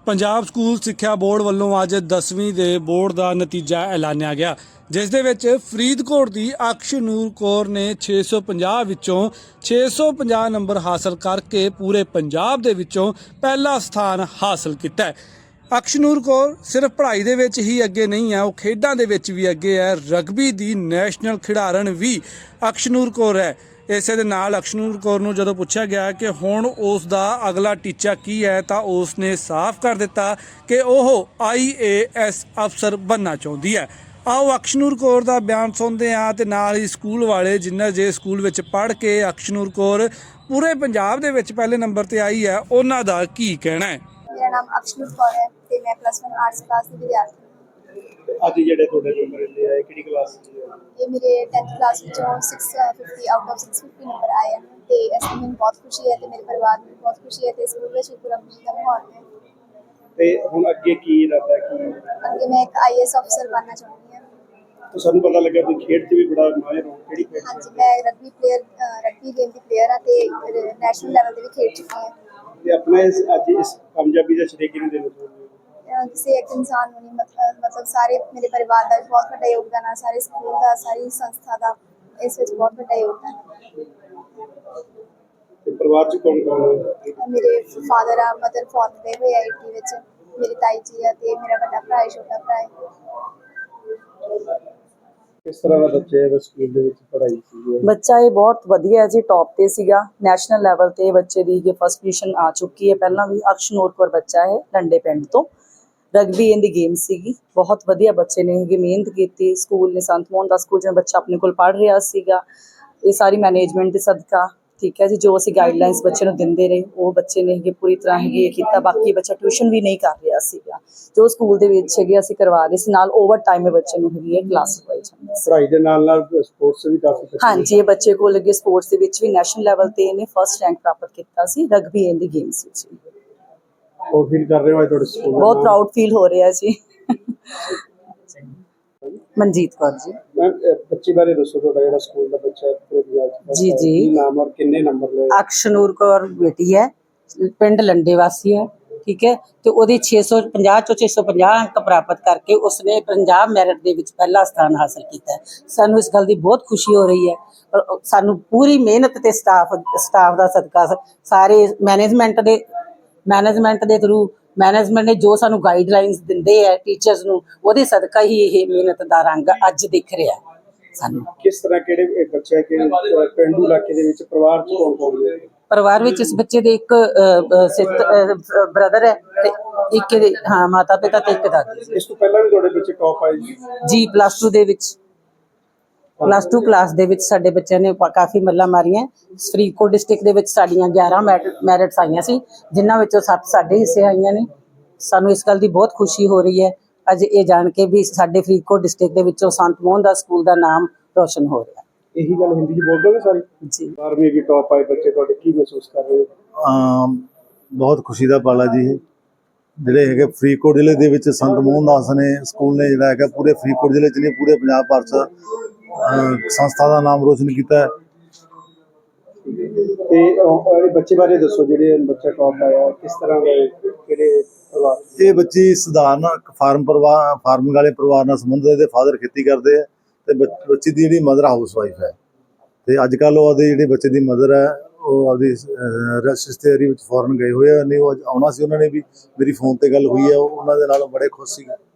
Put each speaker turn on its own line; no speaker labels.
Punjab school ਸਿੱਖਿਆ board ਵੱਲੋਂ ਅੱਜ 10ਵੀਂ ਦੇ ਬੋਰਡ ਦਾ ਨਤੀਜਾ ਐਲਾਨਿਆ ਗਿਆ, ਜਿਸ ਦੇ ਵਿੱਚ ਫਰੀਦਕੋਟ ਦੀ ਅਕਸ਼ਨੂਰ ਕੌਰ ਨੇ 650 ਵਿੱਚੋਂ 650 ਨੰਬਰ ਹਾਸਲ ਕਰਕੇ ਪੂਰੇ ਪੰਜਾਬ ਦੇ ਵਿੱਚੋਂ ਪਹਿਲਾ ਸਥਾਨ ਹਾਸਲ ਕੀਤਾ ਹੈ। ਅਕਸ਼ਨੂਰ ਕੌਰ ਸਿਰਫ ਪੜ੍ਹਾਈ ਦੇ ਵਿੱਚ ਹੀ ਅੱਗੇ ਨਹੀਂ ਹੈ, ਉਹ ਖੇਡਾਂ ਦੇ ਵਿੱਚ ਵੀ ਅੱਗੇ ਹੈ। ਰਗਬੀ ਦੀ ਨੈਸ਼ਨਲ ਖਿਡਾਰਨ ਵੀ ਅਕਸ਼ਨੂਰ ਕੌਰ ਹੈ। ਇਸੇ ਦੇ ਨਾਲ ਅਕਸ਼ਨੂਰ ਕੌਰ ਨੂੰ ਜਦੋਂ ਪੁੱਛਿਆ ਗਿਆ ਕਿ ਹੁਣ ਉਸ ਦਾ ਅਗਲਾ ਟੀਚਾ ਕੀ ਹੈ ਤਾਂ ਉਸ ਨੇ ਸਾਫ਼ ਕਰ ਦਿੱਤਾ ਕਿ ਉਹ IAS ਅਫਸਰ ਬਣਨਾ ਚਾਹੁੰਦੀ ਹੈ। ਆਓ ਅਕਸ਼ਨੂਰ ਕੌਰ ਦਾ ਬਿਆਨ ਸੁਣਦੇ ਹਾਂ ਤੇ ਨਾਲ ਹੀ ਸਕੂਲ ਵਾਲੇ ਜਿਨ੍ਹਾਂ ਜੇ ਸਕੂਲ ਵਿੱਚ ਪੜ੍ਹ ਕੇ ਅਕਸ਼ਨੂਰ ਕੌਰ ਪੂਰੇ ਪੰਜਾਬ ਦੇ ਵਿੱਚ ਪਹਿਲੇ ਨੰਬਰ ਤੇ ਆਈ ਹੈ ਉਹਨਾਂ ਦਾ ਕੀ ਕਹਿਣਾ ਹੈ।
मेरा नाम अक्षनुर कौर है ते मैं +1 आर्ट्स क्लास की विद्यार्थी
ਅੱਜ ਜਿਹੜੇ ਤੁਹਾਡੇ ਨੰਬਰ ਇੰਨੇ ਆਏ ਕਿਹੜੀ ਕਲਾਸ ਚ
ये मेरे 10th क्लास ਵਿੱਚੋਂ 650 ਆਊਟ ਆਫ 650 ਨੰਬਰ ਆਏ ਹਨ ਤੇ ਇਸ ਤੋਂ ਮੈਨੂੰ ਬਹੁਤ ਖੁਸ਼ੀ ਹੈ ਤੇ ਮੇਰੇ ਪਰਿਵਾਰ ਨੂੰ ਬਹੁਤ ਖੁਸ਼ੀ ਹੈ ਤੇ ਸਕੂਲ ਵਿੱਚ ਪੂਰਾ ਖੁਸ਼ੀ ਦਾ ਮਾਹੌਲ ਹੈ।
ਤੇ ਹੁਣ ਅੱਗੇ ਕੀ ਇਰਾਦਾ ਕੀ
ਅੱਗੇ ਮੈਂ ਇੱਕ IAS ਅਫਸਰ ਬਣਨਾ ਚਾਹੁੰਦੀ ਹਾਂ।
ਤਾਂ ਸਾਨੂੰ ਪਤਾ ਲੱਗਾ ਕਿ ਖੇਡ 'ਚ ਵੀ ਬੜਾ ਮਾਹਿਰ ਹੋ ਕਿਹੜੀ ਖੇਡ 'ਚ?
ਹਾਂਜੀ, ਮੈਂ ਰਗਬੀ ਗੇਮ ਦੀ ਪਲੇਅਰ ਹਾਂ ਤੇ ਨੈਸ਼ਨਲ ਲੈਵਲ ਤੇ ਵੀ ਖੇਡ ਚੁੱਕੀ ਹਾਂ।
ਤੇ ਆਪਣਾ ਅੱਜ ਇਸ ਕਾਮਯਾਬੀ ਦਾ ਸ਼੍ਰੇਅ ਕਿਹਨੂੰ ਦੇਣਾ ਚਾਹੁੰਦੇ ਹੋ?
ਕਿਸੇ ਇੱਕ ਇਨਸਾਨ ਨੂੰ ਨਹੀਂ, ਮਤਲਬ ਸਾਰੇ ਮੇਰੇ ਪਰਿਵਾਰ ਦਾ ਵੀ ਬਹੁਤ ਵੱਡਾ ਯੋਗਦਾਨ ਹੈ, ਸਾਰੇ ਸਕੂਲ ਦਾ, ਸਾਰੀ ਸੰਸਥਾ ਦਾ ਇਸ ਵਿੱਚ ਬਹੁਤ ਵੱਡਾ ਯੋਗਦਾਨ ਹੈ।
ਤੇ ਪਰਿਵਾਰ 'ਚ ਕੌਣ ਕੌਣ ਹੈ?
ਮੇਰੇ ਫਾਦਰ ਆ, ਮਦਰ ਫੋਰਥ ਗਏ ਹੋਏ ਆ ਈਟੀ ਵਿੱਚ, ਮੇਰੀ ਤਾਈ ਜੀ ਆ ਤੇ ਮੇਰਾ ਵੱਡਾ ਭਰਾ ਹੈ, ਛੋਟਾ ਭਰਾ ਹੈ।
ਕਿਸ ਤਰ੍ਹਾਂ ਦਾ ਬੱਚੇ ਦਾ ਸਕੂਲ ਦੇ ਵਿੱਚ ਪੜ੍ਹਾਈ ਸੀ?
ਬੱਚਾ ਇਹ ਬਹੁਤ ਵਧੀਆ ਜੀ, ਟੌਪ ਤੇ ਸੀਗਾ। ਨੈਸ਼ਨਲ ਲੈਵਲ ਤੇ ਬੱਚੇ ਦੀ ਇਹ ਫਸਟ ਪੋਜੀਸ਼ਨ ਆ ਚੁੱਕੀ ਹੈ। ਪਹਿਲਾਂ ਵੀ ਅਕਸ਼ਨੂਰ ਕੌਰ ਬੱਚਾ ਹੈ ਲੰਡੇ ਪਿੰਡ ਤੋਂ। ਰਗਬੀ ਇਹਦੀ ਗੇਮ ਸੀਗੀ, ਬਹੁਤ ਵਧੀਆ ਬੱਚੇ ਨੇ ਇਹ ਮਿਹਨਤ ਕੀਤੀ। ਸਕੂਲ ਨੇ ਸੰਤ ਮੋਹਨ ਦਾ ਸਕੂਲ ਜਿਵੇਂ ਬੱਚਾ ਆਪਣੇ ਕੋਲ ਪੜ੍ਹ ਰਿਹਾ ਸੀਗਾ, ਇਹ ਸਾਰੀ ਮੈਨੇਜਮੈਂਟ ਦੇ ਸਦਕਾ ਠੀਕ ਹੈ ਜੀ। ਜੋ ਅਸੀਂ ਗਾਈਡਲਾਈਨਸ ਬੱਚੇ ਨੂੰ ਦਿੰਦੇ ਰਹੇ ਉਹ ਬੱਚੇ ਨੇ ਇਹ ਪੂਰੀ ਤਰ੍ਹਾਂ ਇਹ ਕੀਤਾ। ਬਾਕੀ ਬੱਚਾ ਟਿਊਸ਼ਨ ਵੀ ਨਹੀਂ ਕਰ ਰਿਹਾ ਸੀਗਾ, ਜੋ ਸਕੂਲ ਦੇ ਵਿੱਚ ਹੈਗੇ ਅਸੀਂ ਕਰਵਾ ਰਹੇ ਸੀ। ਨਾਲ ਓਵਰ ਟਾਈਮ ਬੱਚੇ ਨੂੰ ਹੈਗੀ ਹੈ ਕਲਾਸ ਲਗਵਾਈ ਜਾਂਦੀ ਸੀ।
ਪੜ੍ਹਾਈ ਦੇ ਨਾਲ ਨਾਲ ਸਪੋਰਟਸ ਵੀ ਕਾਫੀ
ਹਾਂਜੀ, ਇਹ ਬੱਚੇ ਕੋਲ ਅੱਗੇ ਸਪੋਰਟਸ ਦੇ ਵਿੱਚ ਵੀ ਨੈਸ਼ਨਲ ਲੈਵਲ ਤੇ ਇਹਨੇ ਫਸਟ ਰੈਂਕ ਪ੍ਰਾਪਤ ਕੀਤਾ ਸੀ ਰਗਬੀ ਇਹਦੀ ਗੇਮਸ ਵਿੱਚ।
ਉਹ ਫੀਲ ਕਰ ਰਹੇ ਹੋ ਤੁਹਾਡੇ ਸਕੂਲ
ਬਹੁਤ ਪ੍ਰਾਊਡ ਫੀਲ ਹੋ ਰਿਹਾ ਜੀ। ਮਨਜੀਤ ਕੌਰ ਜੀ।
ਬੱਚੇ ਬਾਰੇ ਦੱਸੋ, ਤੁਹਾਡਾ ਜਿਹੜਾ ਸਕੂਲ ਦਾ ਬੱਚਾ
ਜੀ ਜੀ,
ਕੀ ਨਾਮ ਔਰ ਕਿੰਨੇ ਨੰਬਰ ਲਏ?
ਅਕਸ਼ਨੂਰ ਕੌਰ ਬੇਟੀ ਹੈ, ਪਿੰਡ ਲੰਡੇ ਵਾਸੀ ਹੈ ਠੀਕ ਹੈ। ਤੇ ਉਹਦੇ 650 ਚੋਂ 650 ਅੰਕ ਪ੍ਰਾਪਤ ਕਰਕੇ ਉਸਨੇ ਪੰਜਾਬ ਮੈਰਿਟ ਦੇ ਵਿੱਚ ਪਹਿਲਾ ਸਥਾਨ ਹਾਸਲ ਕੀਤਾ ਹੈ। ਸਾਨੂੰ ਇਸ ਗੱਲ ਦੀ ਬਹੁਤ ਖੁਸ਼ੀ ਹੋ ਰਹੀ ਹੈ। ਪਰ ਸਾਨੂੰ ਪੂਰੀ ਮਿਹਨਤ ਤੇ ਸਟਾਫ ਦਾ ਸਦਕਾ ਸਾਰੇ ਮੈਨੇਜਮੈਂਟ ਦੇ ਥਰੂ ਮੈਨੇਜਮੈਂਟ ਨੇ ਜੋ ਸਾਨੂੰ ਗਾਈਡਲਾਈਨਸ ਦਿੰਦੇ ਹੈ ਟੀਚਰਸ ਨੂੰ, ਉਹਦੇ ਸਦਕਾ ਹੀ ਇਹ ਮਿਹਨਤ ਦਾ ਰੰਗ ਅੱਜ ਦਿਖ ਰਿਹਾ ਸਾਨੂੰ।
ਕਿਸ ਤਰ੍ਹਾਂ ਕਿਹੜੇ ਬੱਚੇ ਕਿ ਪਿੰਡੂ ਇਲਾਕੇ ਦੇ ਵਿੱਚ ਪਰਿਵਾਰ ਚ ਕੌਣ ਕੌਣ ਹੈ?
ਪਰਿਵਾਰ ਵਿੱਚ ਇਸ ਬੱਚੇ ਦੇ ਇੱਕ ਬ੍ਰਦਰ ਹੈ ਤੇ ਇੱਕ ਇਹਦੇ ਮਾਤਾ ਪਿਤਾ ਤੇ ਇੱਕ ਦਾਦੀ।
ਇਸ ਤੋਂ ਪਹਿਲਾਂ ਵੀ ਤੁਹਾਡੇ ਬੱਚੇ ਟੌਪ ਆਏ
ਜੀ। +2 ਦੇ ਵਿੱਚ +2 ਕਲਾਸ ਦੇ ਵਿੱਚ ਸਾਡੇ ਬੱਚਿਆਂ ਨੇ ਕਾਫੀ ਮੱਲਾਂ ਮਾਰੀਆਂ। ਫਰੀਦਕੋਟ ਡਿਸਟ੍ਰਿਕਟ ਦੇ ਵਿੱਚ ਸਾਡੀਆਂ 11 ਮੈਰਿਟਸ ਆਈਆਂ ਸੀ, ਜਿਨ੍ਹਾਂ ਵਿੱਚੋਂ 7 ਸਾਡੇ ਹਿੱਸੇ ਆਈਆਂ ਨੇ। ਸਾਨੂੰ ਇਸ ਗੱਲ ਦੀ ਬਹੁਤ ਖੁਸ਼ੀ ਹੋ ਰਹੀ ਹੈ ਅੱਜ ਇਹ ਜਾਣ ਕੇ ਵੀ ਸਾਡੇ ਫਰੀਦਕੋਟ ਡਿਸਟ੍ਰਿਕਟ ਦੇ ਵਿੱਚੋਂ ਸੰਤ ਮੋਹਨ ਦਾ ਸਕੂਲ ਦਾ ਨਾਮ ਰੋਸ਼ਨ ਹੋ ਰਿਹਾ।
ਇਹੀ ਗੱਲ ਹਿੰਦੀ 'ਚ ਬੋਲ ਦੋਗੇ ਸਾਰੀ
ਜੀ।
12ਵੀਂ ਵੀ ਟੌਪ ਆਏ ਬੱਚੇ, ਤੁਹਾਡੇ ਕੀ ਮਹਿਸੂਸ ਕਰ ਰਹੇ ਹੋ?
ਬਹੁਤ ਖੁਸ਼ੀ ਦਾ ਪਲ ਹੈ ਜੀ। ਜਿਹੜੇ ਹੈਗੇ ਫਰੀਦਕੋਟ ਜ਼ਿਲ੍ਹੇ ਦੇ ਵਿੱਚ ਸੰਤ ਮੋਹਨ ਦਾਸ ਨੇ ਸਕੂਲ ਨੇ ਜਿਹੜਾ ਹੈਗਾ ਪੂਰੇ ਫਰੀਦਕੋਟ ਜ਼ਿਲ੍ਹੇ 'ਚ ਨਹੀਂ ਪੂਰੇ ਪੰਜਾਬ ਭਰ 'ਚ ਸੰਸਥਾ ਦਾ ਨਾਮ ਰੋਸ਼ਨ ਕੀਤਾ ਹੈ।
ਤੇ ਬੱਚੇ ਬਾਰੇ ਦੱਸੋ, ਜਿਹੜੇ ਬੱਚਾ ਟੌਪ ਆਇਆ ਕਿਸ ਤਰ੍ਹਾਂ ਦੇ ਕਿਹੜੇ ਪਰਿਵਾਰ?
ਇਹ ਬੱਚੀ ਸਧਾਰਨ ਫਾਰਮਿੰਗ ਵਾਲੇ ਪਰਿਵਾਰ ਨਾਲ ਸੰਬੰਧਿਤ। ਇਹਦੇ ਫਾਦਰ ਖੇਤੀ ਕਰਦੇ ਆ ਤੇ ਬੱਚੀ ਦੀ ਜਿਹੜੀ ਮਦਰ ਹਾਊਸ ਵਾਈਫ ਹੈ। ਤੇ ਅੱਜ ਕੱਲ੍ਹ ਉਹਦੇ ਜਿਹੜੇ ਬੱਚੇ ਦੀ ਮਦਰ ਹੈ ਉਹ ਆਪਦੀ ਰਿਸ਼ਤੇਦਾਰੀ ਵਿੱਚ ਫੋਰਨ ਗਏ ਹੋਏ ਆ। ਨਹੀਂ ਉਹ ਆਉਣਾ ਸੀ, ਉਹਨਾਂ ਨੇ ਵੀ ਮੇਰੀ ਫੋਨ ਤੇ ਗੱਲ ਹੋਈ ਹੈ, ਉਹਨਾਂ ਦੇ ਨਾਲ ਬੜੇ ਖੁਸ਼ ਸੀ।